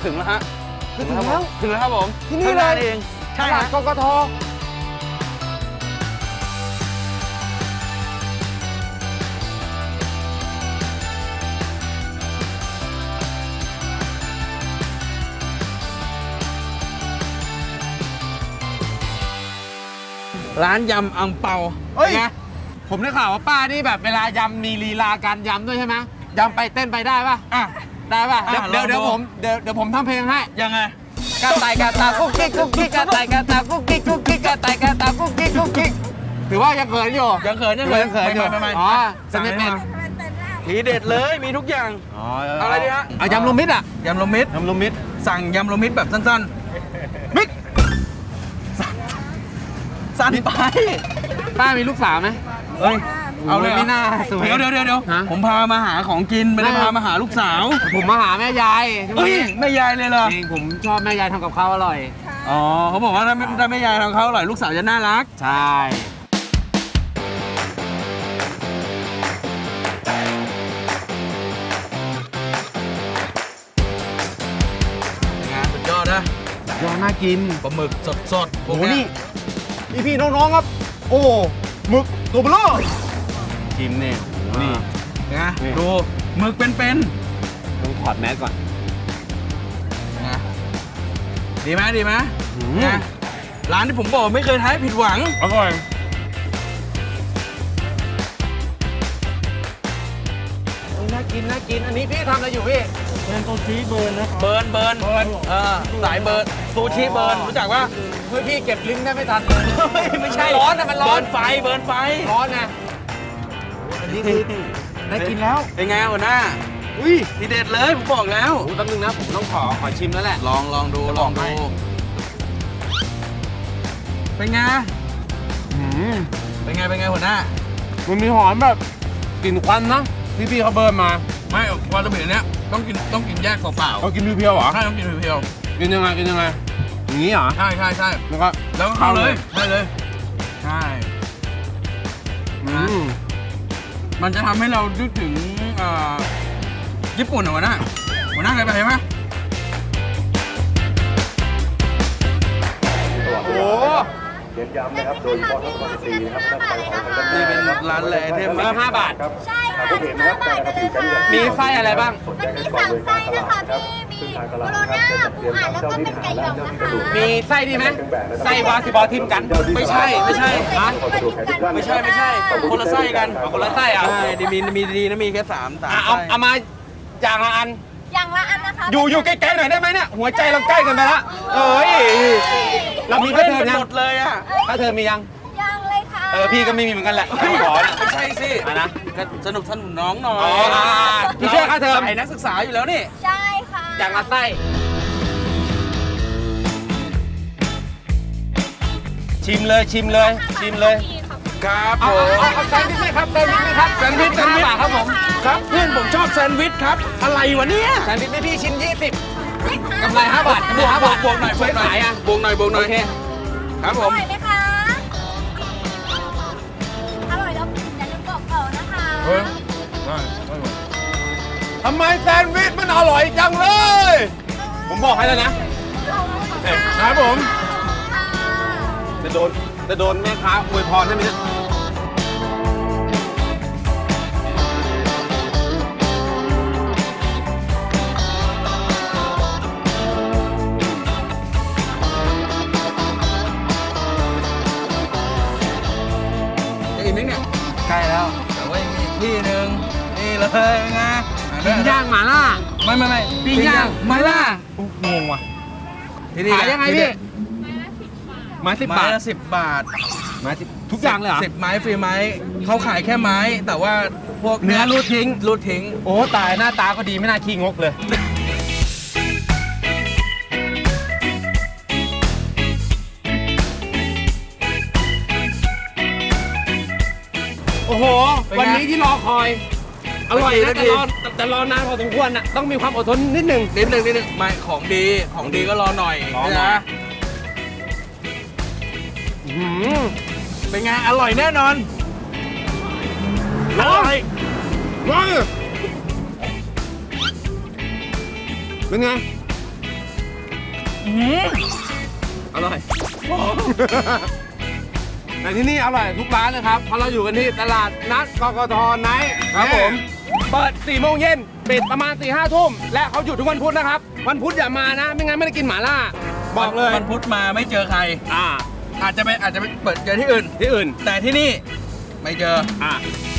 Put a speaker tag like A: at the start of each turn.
A: ถึงแล้วฮะ
B: ถึงแล้ว
A: ถึงแล้วครับผม
B: ที่นี่เลย
A: เองใช่
B: ตลาด
A: ฮะ
B: กกท.
A: ร้านยำอังเปา
B: เฮ้ย
A: ไง
B: ผมได้ข่าวว่าป้านี่แบบเวลายำมีลีลาการยำด้วยใช่ไหมยำไปเต้นไปได้ป่ะ
A: อ่ะ
B: ได้ป่ะ
A: อ่ะ
B: เดี๋ยว
A: ลองดู
B: เดี๋ยวผมเดี๋ยวผมทำเพลงให้
A: ยังไง
B: กระต่ายกระตากุ๊กกิ๊กกุ๊กกิ๊กกระต่ายกระตากุ๊กกิ๊กกุ๊กกิ๊กกระต่ายกระตากุ๊กกิ๊กกุ๊กกิ๊กถือว่ายังเขินอยู่
A: ยังเขินยังเขิน
B: ยังเขินอยู่
A: ไม่
B: อ๋อ
A: สั่
B: จะ
A: ง
B: ไม่
A: ให้
B: เป็น
A: มาทีเด็ดเลยมีทุกอย่าง อะไรดีฮะ
B: เอายำรวมมิตรอ่ะ
A: ยำรวมมิตร
B: ยำรวมมิตร
A: สั่งยำรวมมิตรแบบสั้นๆมิตรสั้นไป
B: ป้ามีลูกสาวไหม
A: เฮ้ยเอาเลย
B: ไม่น่าสวย
A: เดี๋ยว
B: ฮะ
A: ผมพามาหาของกินไม่ได้พามาหาลูกสาว
B: ผมมาหาแม่ยาย
A: เฮ้ยแม่ยายเลยเหรอ
B: จริงผมชอบแม่ยายทำกับข้าวอร่อย
A: อ๋อเขาบอกว่าถ้าแม่ยายทำเขาอร่อยลูกสาวจะน่ารัก
B: ใช่
A: งานสุดยอดนะ
B: ยอดน่ากิน
A: ปลาหมึกสดๆพว
B: โอ้
A: ก
B: โห
A: เนี้
B: นี่
A: ย
B: พี่น้องๆครับ โอ้หมึกตัวเบลอชิมเนี่ยนี่
A: นะ
B: นี่
A: ดูหมึกเป็น
B: ต้องถอดแมสก่อน
A: ๆนะดีไหม
B: อืม
A: นะร้านที่ผมบอกไม่เคยท้ายผิดหวัง
B: อร่อยน่ากินน่ากินอันนี้พี่ทำอะไรอยู่พี่
C: เป็นตัวชี้เบิร์นนะครับ
A: เบิร์นสายเบิร์นซูชิเบิร์นรู้จักปะ
B: เฮ้ยพี่เก็บลิ้นได้ไม่ทันเลย
A: เฮ้ยไม่ใช่
B: ร้อนนะมันร้อน
A: เบิร์นไฟ
B: ร้อนนะอันนี้คือได้กินแล้ว
A: เป็นไงหัวหน้า
B: อุ้ย
A: ทีเด็ดเลยผมบอกแล้ว
B: โอ้แป๊บนึงนะผมต้องขอชิมแล้วแหละ
A: ลองดู
B: จะบอกให้
A: เป็นไง
B: อืม
A: เป็นไงหัวหน้า
B: มันมีหอมแบบกลิ่นควันนะที่พี่เขาเบิร์นมา
A: ไม่วาซาบิเนี้ยต้องกินแยกเปล่า
B: เขากินเพียวๆเหรอ
A: ๆใช่ต้องกินเพียว
B: กินยังไงอย่างนี้เหรอ
A: ๆใช่
B: แล้วก็
A: แล้วก็เข้าเลยใช่เลย ใช่
B: อืม
A: มันจะทำให้เรานึกถึงญี่ปุ่นเหรอหัวหน้าเคยไปไหม
B: โอ้
D: เน้นย้ำนะครับ โดยเฉพาะทั้งวันตีนะครับด้านซ้ายของทางด้าน
A: นี่เป็นร้านแหล่เทม
B: แล้ว5 บาท
D: ครับ
E: ใช่ค่ะ
D: ผู้เห็นนะครับการกระทำการ
B: มีไส้อะไรบ้าง
E: มันมี3 ไส้นะคะพี่ มีโบโลน่าปูอัดแล้วก็เป็นไก่หยองนะคะ
B: มีไส้ดีไหมไส้วาซิบอทิมกัน
A: ไม่ใช่
B: ฮะ
A: ไม่ใช่คนละไส้กัน
B: คนละไส้เหรอ่ะ
A: ใช่มีดีนะมีแค่3
B: เอามาอย่างละอัน
E: อย่างละอันนะคะ
B: อยู่ใกล้ๆหน่อยได้ไหมเนี่ยหัวใจเราใกล้กันไปละเอ้ยเรามีค่าเทอมยัง
A: หมดเลยอ่ะ
B: ค่าเทอมมียัง
E: ยังเลยค่ะ
B: พี่ก็ไม่มีเหมือนกันแหละขอนะ
A: ไม่ใช่สิ
B: อ่ะนะ
A: ก็สนุกน้องหน่อย
B: อ๋อพี่ช่วยค่าเทอม
A: สายนักศึกษาอยู่แล้วนี่
E: ใช่ค่ะ
B: อย่างละไส้ชิมเลย
A: ครับผ
B: เอา
A: ม
B: แซนด์วิชไหมครับแซนด์วิชไหมครับแซนด์วิช5 บาทครับผม
A: ครับเพื่อนผมชอบแซนด์วิชครับ อะไรวะเนี่ย
B: แซนด์วิชไม่พี่ชิ้น20กำไร5 บาทกำไร5 บาท
A: บวกหน่อย
B: ช่วยขายอ่ะ
A: บวกหน่อย
B: โอเค
A: ครับผ
E: อ
A: ม
E: ร่อยไหมคะ อร่อยแล้วอย่าลืมบอกต่อนะคะ
B: ทำไมแซนด์วิชมันอร่อยจังเลย ผมบอกให้แล้วนะ
A: ครับผม
B: จะโดนแม่ค้าอวยพรให้ไหมเนี่ย
A: จะอิ่มไหมเนี่ย
B: ใกล้แล้ว
A: แต่ว่ายังมีอีกที่หนึ่งนี่เลยไง
B: ปิ้งย่างหม่าล่า
A: ไม่
B: ปิ้งย่างหม่าล่าง
A: งว่ะที่นี่
B: ขายยังไงพี่ไม้10
A: ไม้
B: บาท
A: ละ10 บาท
B: ไม้10ทุกอย่างเลยเหรอ
A: 10 ไม้ฟรีไม้เขาขายแค่ไม้ แต่ว่าพวก
B: เนื้อรูดทิ้ง
A: รูดทิ้ง
B: โอ้ตายหน้าตาก็ดีไม่น่าขี้งกเลย โอ้โห วันนี้ที่รอคอย อร่อยนะแต่รอนานพอสมควรน่ะต้องมีความอดทนนิดหนึ่ง
A: นิดนึงไม่ของดีก็รอหน่อย
B: รอหน่อย
A: นะเป็นไงอร่อยแน่นอนอร่อย
B: เป็นไงอร่อย แต่ที่นี่อร่อยทุกร้านเลยครับ เพราะเราอยู่กันที่ตลาดนัดกกทไนท์
A: ครับผม
B: เปิด 4 โมงเย็น ปิดประมาณ 4-5 ทุ่ม และเขาหยุดทุกวันพุธนะครับ วันพุธอย่ามานะ ไม่งั้นไม่ได้กินหม่าล่า บอกเลย
A: วันพุธมาไม่เจอใคร
B: อ่า
A: อาจจะไปเปิดเจอที่อื่น
B: ที่อื่น
A: แต่ที่นี่ไม่เจอ
B: อ่า